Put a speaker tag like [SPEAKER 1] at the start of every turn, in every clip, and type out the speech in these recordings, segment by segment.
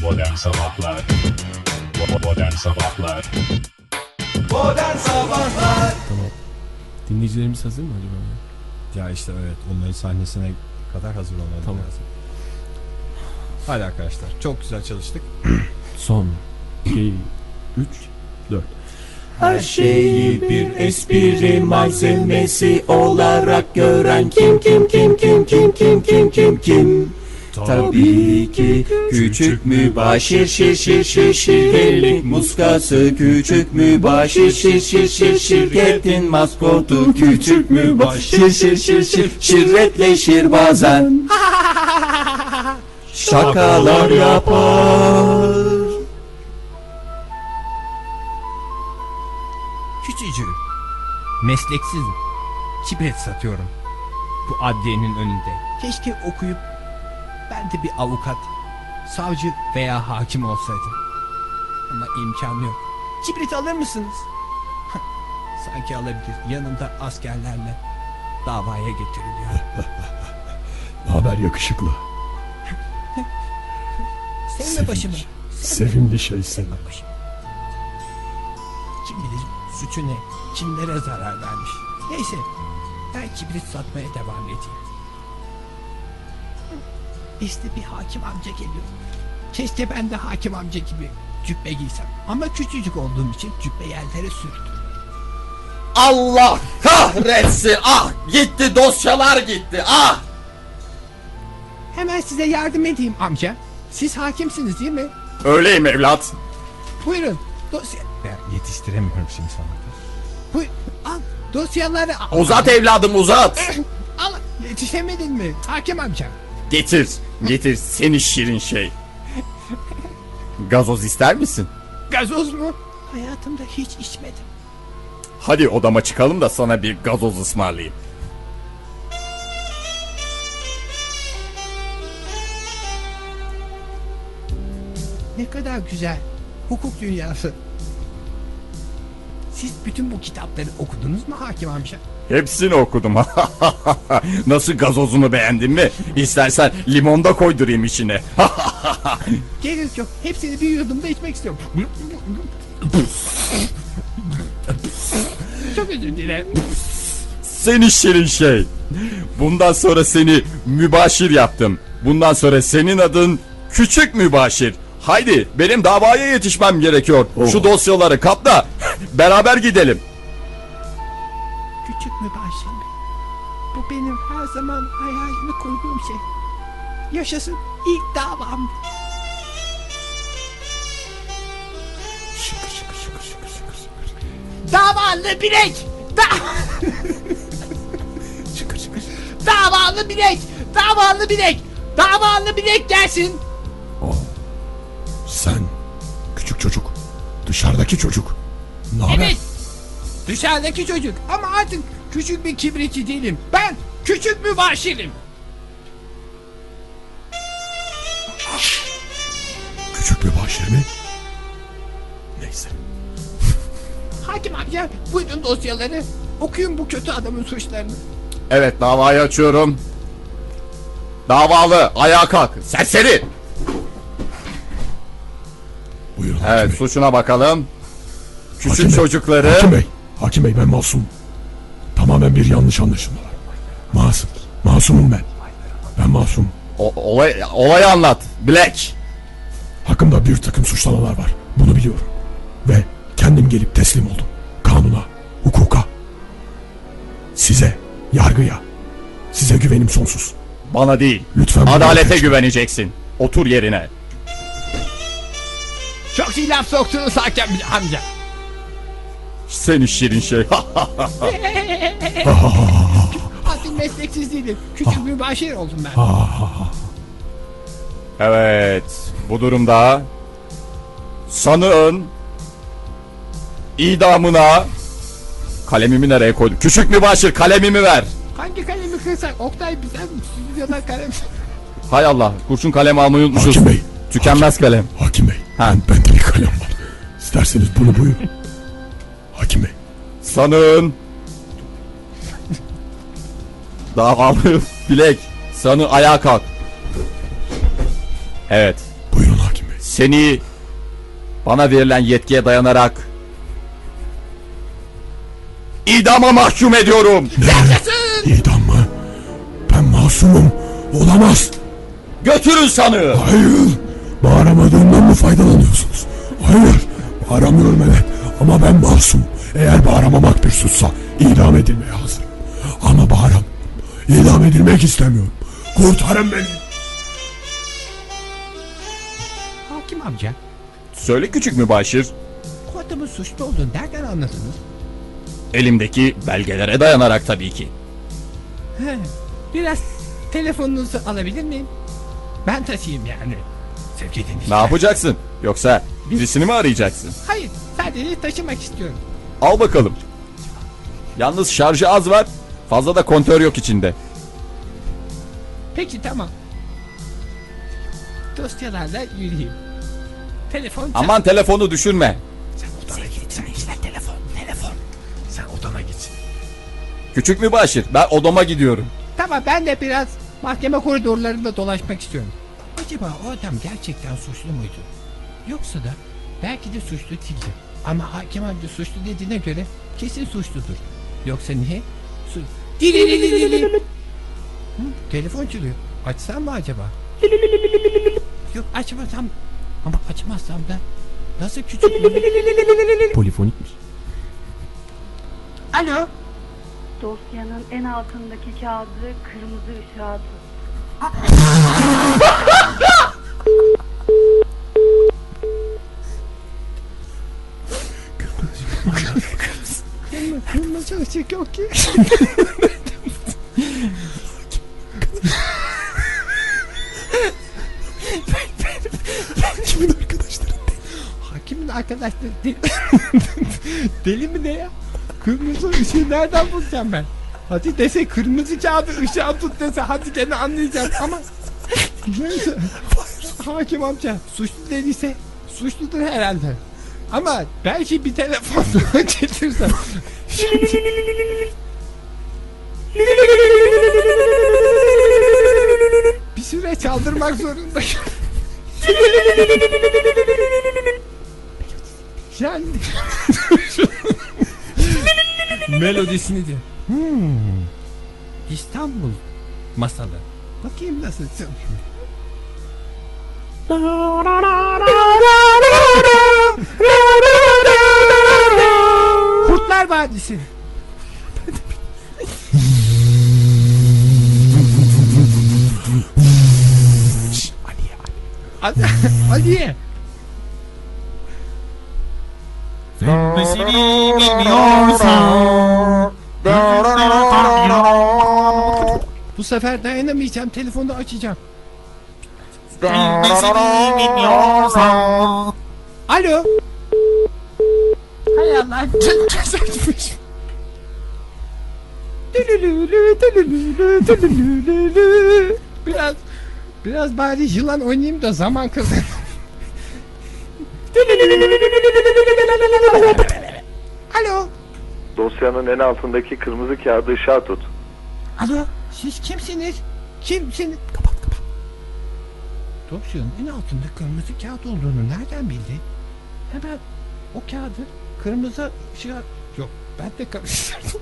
[SPEAKER 1] Modern Sabahlar Modern Sabahlar
[SPEAKER 2] Modern Sabahlar.
[SPEAKER 3] Tamam. Dinleyicilerimiz hazır mı acaba?
[SPEAKER 4] Ya işte evet, onların sahnesine kadar hazır olmalı
[SPEAKER 3] Tamam.
[SPEAKER 4] lazım. Hadi arkadaşlar, çok güzel çalıştık.
[SPEAKER 3] Son 2 3 4.
[SPEAKER 2] Her şeyi bir espri malzemesi olarak gören kim? Tabii ki küçük mübaşir şirketlik muskası, küçük mübaşir şirketin maskotu, küçük mübaşir şirretleşir bazen, şakalar yapar.
[SPEAKER 5] Küçücüğüm, mesleksizim, kibrit satıyorum bu adliyenin önünde. Keşke okuyup ben de bir avukat, savcı veya hakim olsaydım. Ama imkanı yok. Kibrit alır mısınız? Sanki alabilir. Yanında askerlerle davaya getiriliyor.
[SPEAKER 6] Naber yakışıklı?
[SPEAKER 5] Sevme başımı.
[SPEAKER 6] Sevimli şey seni.
[SPEAKER 5] Başımı. Kim bilir suçu ne? Kimlere zarar vermiş? Neyse, ben kibrit satmaya devam edeyim. İşte bir hakim amca geliyor. Keşke ben de hakim amca gibi cübbe giysem. Ama küçücük olduğum için cübbe yerlere sürdü.
[SPEAKER 7] Allah kahretsin, ah gitti, dosyalar gitti, ah.
[SPEAKER 5] Hemen size yardım edeyim amca. Siz hakimsiniz değil mi?
[SPEAKER 7] Öyleyim evlat.
[SPEAKER 5] Buyurun dosya...
[SPEAKER 4] Ben yetiştiremiyorum şimdi sana.
[SPEAKER 5] Buyur, al dosyaları al.
[SPEAKER 7] Uzat evladım, uzat.
[SPEAKER 5] Al, yetişemedin mi hakim amca?
[SPEAKER 7] Getir, getir seni şirin şey. Gazoz ister misin?
[SPEAKER 5] Gazoz mu? Hayatımda hiç içmedim.
[SPEAKER 7] Hadi odama çıkalım da sana bir gazoz ısmarlayayım.
[SPEAKER 5] Ne kadar güzel. Hukuk dünyası. Siz bütün bu kitapları okudunuz mu hakim amca?
[SPEAKER 7] Hepsini okudum. Nasıl, gazozunu beğendin mi? İstersen limon da koydurayım içine.
[SPEAKER 5] Gerek yok. Hepsini bir yudumda içmek istiyorum. Çok özür dilerim.
[SPEAKER 7] Seni şirin şey. Bundan sonra seni mübaşir yaptım. Bundan sonra senin adın Küçük Mübaşir. Haydi, benim davaya yetişmem gerekiyor. Şu dosyaları kap da beraber gidelim.
[SPEAKER 5] Küçük mübaşir mi? Bu benim her zaman hayalini kurduğum şey. Yaşasın ilk davam. Davalı bilek! Davalı bilek! Davalı bilek! Davalı bilek gelsin!
[SPEAKER 6] Sen küçük çocuk, dışarıdaki çocuk. Ne haber?
[SPEAKER 5] Evet! Dışarıdaki çocuk ama artık küçük bir kibritçi değilim. Ben küçük mübaşirim.
[SPEAKER 6] Küçük bir başır mı? Neyse.
[SPEAKER 5] Hakim amca buyurun dosyaları. Okuyun bu kötü adamın suçlarını.
[SPEAKER 7] Evet, davayı açıyorum. Davalı, ayağa kalk. Serseri.
[SPEAKER 6] Buyurun Hakim
[SPEAKER 7] Evet,
[SPEAKER 6] Bey.
[SPEAKER 7] suçuna bakalım. Küçük
[SPEAKER 6] Hakim Bey,
[SPEAKER 7] çocukları.
[SPEAKER 6] Hakim Bey ben masum. Tamamen bir yanlış anlaşılma var. Masumum ben. Ben masum.
[SPEAKER 7] Olayı anlat. Black.
[SPEAKER 6] Hakkımda bir takım suçlamalar var. Bunu biliyorum. Ve kendim gelip teslim oldum. Kanuna, hukuka. Size, yargıya. Size güvenim sonsuz.
[SPEAKER 7] Bana değil.
[SPEAKER 6] Lütfen bunu
[SPEAKER 7] Adalete
[SPEAKER 6] affedin.
[SPEAKER 7] güveneceksin. Otur yerine.
[SPEAKER 5] Çok iyi laf soktunuz hakim amca.
[SPEAKER 7] Seni şirin şey.
[SPEAKER 5] Artık mesleksiz değilim. Küçük mübaşir oldum ben.
[SPEAKER 7] Evet. Bu durumda sanığın idamına kalemimi nereye koydum? Küçük mübaşir, kalemimi ver.
[SPEAKER 5] Hangi kalemi kırsak? Oktay bize stüdyodan kalem.
[SPEAKER 7] Hay Allah, kurşun kalem almayı unutmuşuz.
[SPEAKER 6] Hakim Bey.
[SPEAKER 7] Tükenmez kalem.
[SPEAKER 6] Hakim Bey.
[SPEAKER 7] Ha.
[SPEAKER 6] Bende bir kalem var. İsterseniz bunu buyurun. Hakim Bey.
[SPEAKER 7] Sanığın davalı bilek. Sanığı ayağa kalk. Evet.
[SPEAKER 6] Buyurun Hakim Bey.
[SPEAKER 7] Seni bana verilen yetkiye dayanarak idama mahkum ediyorum.
[SPEAKER 6] İdam mı? Ben masumum. Olamaz.
[SPEAKER 7] Götürün sanığı.
[SPEAKER 6] Hayır. Bağıramadığımdan mı faydalanıyorsunuz? Hayır. Bağıramıyorum evet. Ama ben masum. Eğer bağıramamak bir suçsa idam edilmeye hazırım. Ama bağıram. İdam edilmek istemiyorum. Kurtarın beni.
[SPEAKER 5] Hakim amca,
[SPEAKER 7] Söyle küçük mübaşir.
[SPEAKER 5] bu adamın suçlu olduğunu nereden anladınız?
[SPEAKER 7] Elimdeki belgelere dayanarak tabii ki.
[SPEAKER 5] He, biraz telefonunuzu alabilir miyim? Ben taşıyayım yani. Sevgili dinleyiciler.
[SPEAKER 7] Ne yapacaksın? Yoksa birisini mi arayacaksın?
[SPEAKER 5] Hayır, sadece taşımak istiyorum.
[SPEAKER 7] Al bakalım. Yalnız şarjı az var. Fazla da kontör yok içinde.
[SPEAKER 5] Peki tamam. Dosyalarla yürüyeyim. Telefon
[SPEAKER 7] Aman telefonu düşürme.
[SPEAKER 5] Sen odana git. Sen işte telefon. Sen odana git.
[SPEAKER 7] Küçük mübaşir, ben odama gidiyorum.
[SPEAKER 5] Tamam, ben de biraz mahkeme koridorlarında dolaşmak istiyorum. Acaba o adam gerçekten suçlu muydu? Yoksa da belki de suçlu değildi. Ama hakim amca suçlu dediğine göre kesin suçludur. Yoksa niye? Telefon çalıyor. Açsam mı acaba? Yok, açmasam. Ama açmazsam da nasıl küçük
[SPEAKER 3] Polifonikmiş.
[SPEAKER 5] Alo.
[SPEAKER 8] Dosyanın en altındaki kağıdı kırmızı ışığa tut.
[SPEAKER 5] Kırmızı ışık yok ki.
[SPEAKER 6] Kimin arkadaşları?
[SPEAKER 5] Hakimin arkadaşları deli, deli mi ne ya? Kırmızı ışığı nereden bulacağım ben? Hadi dese kırmızı kağıdı ışığa tut dese hadi gene anlayacağım ama neyse. Hakim amca suçlu dediyse suçludur herhalde. Ama belki bir telefon getirsem. Bir süre çaldırmak zorundayım. Yani melodisini de. İstanbul masalı. Bakayım nasıl çalıyor. Kurtlar Vadisi. Aliye. Bu sefer dayanamayacağım, telefonu açacağım. Alo. Hay Allah. Açmış. Biraz bari yılan oynayayım da zaman kazanayım. Alo.
[SPEAKER 9] Dosyanın en altındaki kırmızı kağıdı ışığa tut.
[SPEAKER 5] Alo. Siz kimsiniz? Kimsiniz? Kapat. Dosyanın en altında kırmızı kağıt olduğunu nereden bildi? Hemen o kağıdı kırmızı ışığa... Yok, ben de karıştırdım.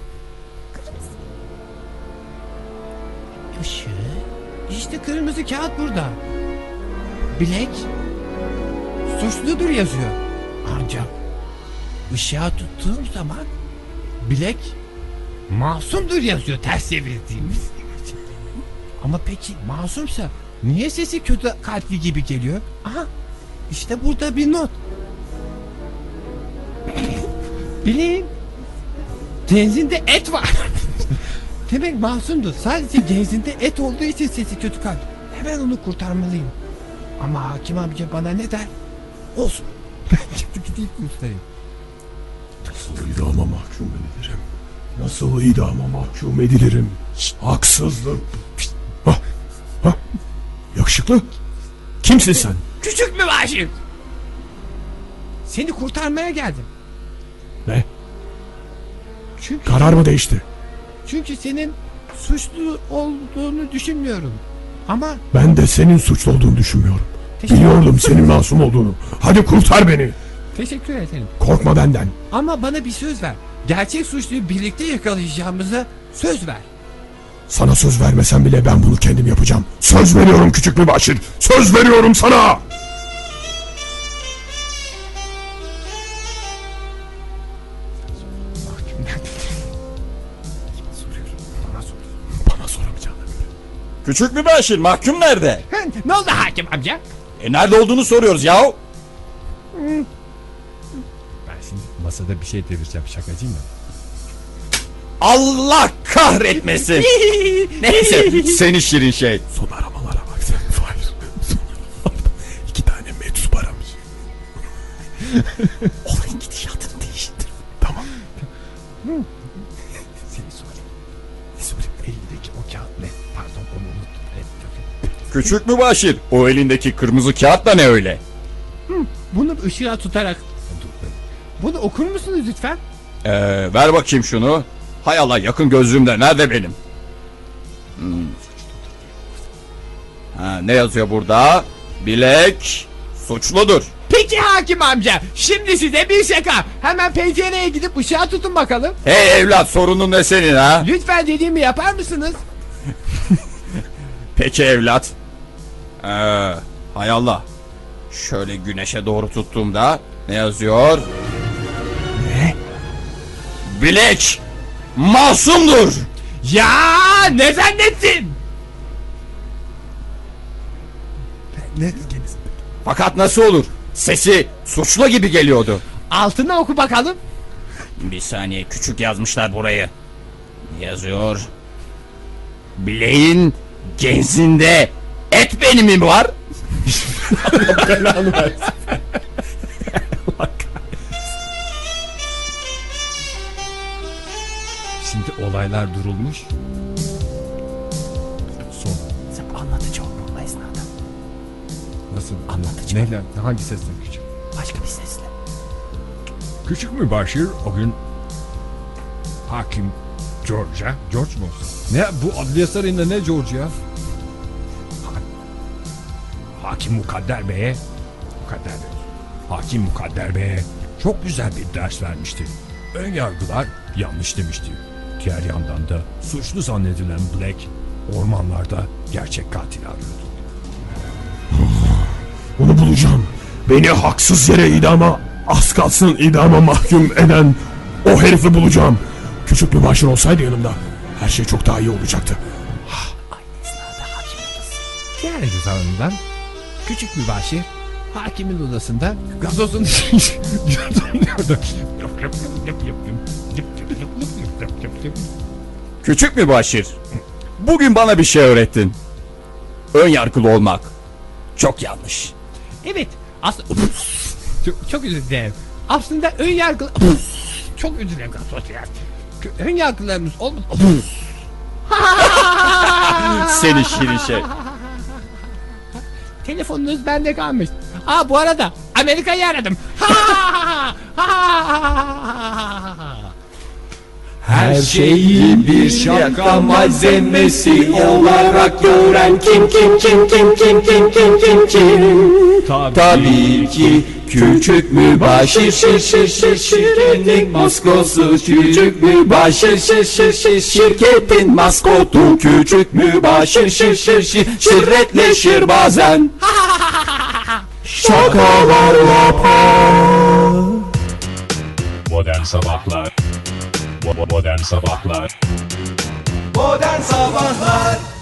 [SPEAKER 5] Işığı... İşte kırmızı kağıt burada. Bilek... Suçludur yazıyor. Ancak... ışığa tuttuğum zaman... Bilek... Masumdur yazıyor ters çevirdiğimiz. Ama peki masumsa... Niye sesi kötü kalpli gibi geliyor? Aha, işte burada bir not. Bileyim. Genzinde et var. Demek masumdu. Sadece genzinde et olduğu için sesi kötü kalp. Hemen onu kurtarmalıyım. Ama hakim amca bana ne der? Olsun. Ben gidip kurtarayım.
[SPEAKER 6] Nasıl idama mahkum edilirim? Nasıl idama mahkum edilirim? Haksızlık. Hah, hah. Yakışıklı. Kimsin sen?
[SPEAKER 5] Küçük mübaşir. Seni kurtarmaya geldim.
[SPEAKER 6] Ne?
[SPEAKER 5] Çünkü
[SPEAKER 6] Karar mı değişti?
[SPEAKER 5] Çünkü senin suçlu olduğunu düşünmüyorum. Ama
[SPEAKER 6] Ben de senin suçlu olduğunu düşünmüyorum. Biliyordum senin masum olduğunu. Hadi kurtar beni.
[SPEAKER 5] Teşekkür ederim.
[SPEAKER 6] Korkma benden.
[SPEAKER 5] Ama bana bir söz ver. Gerçek suçluyu birlikte yakalayacağımıza söz ver.
[SPEAKER 6] Sana söz vermesem bile ben bunu kendim yapacağım. Söz veriyorum küçük mübaşir. Söz veriyorum sana. Bana soramayacağına göre.
[SPEAKER 7] Küçük mübaşir mahkum nerede?
[SPEAKER 5] Ne oldu hakim amca?
[SPEAKER 7] Nerede olduğunu soruyoruz yahu.
[SPEAKER 5] Ben şimdi masada bir şey devireceğim, şakacıyım ya.
[SPEAKER 7] Allah kahretmesin. Neyse seni şirin şey.
[SPEAKER 6] Son aramalara bak sen. Hayır. Son aramalarda 2 tane meczup aramış. Olayın gidişatını değiştir. Tamam.
[SPEAKER 5] Seni sorayım. Ne sorayım? Elindeki o kağıt ne? Pardon, onu unuttum.
[SPEAKER 7] Küçük mübaşir o elindeki kırmızı kağıt da ne öyle?
[SPEAKER 5] Bunu ışığa tutarak... Bunu okur musunuz lütfen?
[SPEAKER 7] Ver bakayım şunu. Hay Allah yakın gözlüğümde nerede benim? Ne yazıyor burada? Bilek suçludur.
[SPEAKER 5] Peki hakim amca, şimdi size bir şaka. Hemen pencereye gidip ışığa tutun bakalım.
[SPEAKER 7] Hey evlat sorunun ne senin ha?
[SPEAKER 5] Lütfen dediğimi yapar mısınız?
[SPEAKER 7] Peki evlat. Hay Allah. Şöyle güneşe doğru tuttuğumda ne yazıyor? Ne? Bilek masumdur.
[SPEAKER 5] Ya ne zannettin?
[SPEAKER 7] Fakat nasıl olur? Sesi suçlu gibi geliyordu.
[SPEAKER 5] Altına oku bakalım.
[SPEAKER 7] Bir saniye küçük yazmışlar burayı. Ne yazıyor? Bileğin genzinde et benimi mi var? Allah belanı versin.
[SPEAKER 5] Şimdi olaylar durulmuş. Son.
[SPEAKER 2] Sen anlatıcı ol bu esnada.
[SPEAKER 5] Nasıl?
[SPEAKER 2] Anlatıcı.
[SPEAKER 5] Neyle? Hangi sesle küçük?
[SPEAKER 2] Başka bir sesle.
[SPEAKER 5] Küçük mübaşir o gün hakim George'a. George mu olsun? Ne bu adliye sarayında ne George ya? Hakim Mukadder Bey'e Hakim Mukadder Bey'e çok güzel bir ders vermişti. Ön yargılar yanlış demişti. Diğer yandan da suçlu zannedilen Black ormanlarda gerçek katili arıyordu.
[SPEAKER 6] Onu bulacağım. Beni haksız yere idama, az kalsın idama mahkum eden o herifi bulacağım. Küçük mübaşir olsaydı yanımda her şey çok daha iyi olacaktı.
[SPEAKER 5] Diğer yüzünden küçük mübaşir hakimin odasında gazozun yudumluyordu.
[SPEAKER 7] Küçük mübaşir. Bugün bana bir şey öğrettin. Ön yargılı olmak çok yanlış.
[SPEAKER 5] Evet. Aslında çok özür dilerim. Aslında ön yargı çok özür dilerim. Ön yargılarımız olmadı.
[SPEAKER 7] Seni şirin şey.
[SPEAKER 5] Telefonunuz bende kalmış. Bu arada Amerika'yı aradım.
[SPEAKER 2] Her şeyi bir şaka malzemesi olarak gören kim? Tabii ki küçük mübaşir şirketin maskotu küçük mübaşir şirketin maskotu küçük mübaşir şirretleşir bazen şakalar yapar.
[SPEAKER 1] Modern Sabahlar Modern Sabahlar
[SPEAKER 2] Modern Sabahlar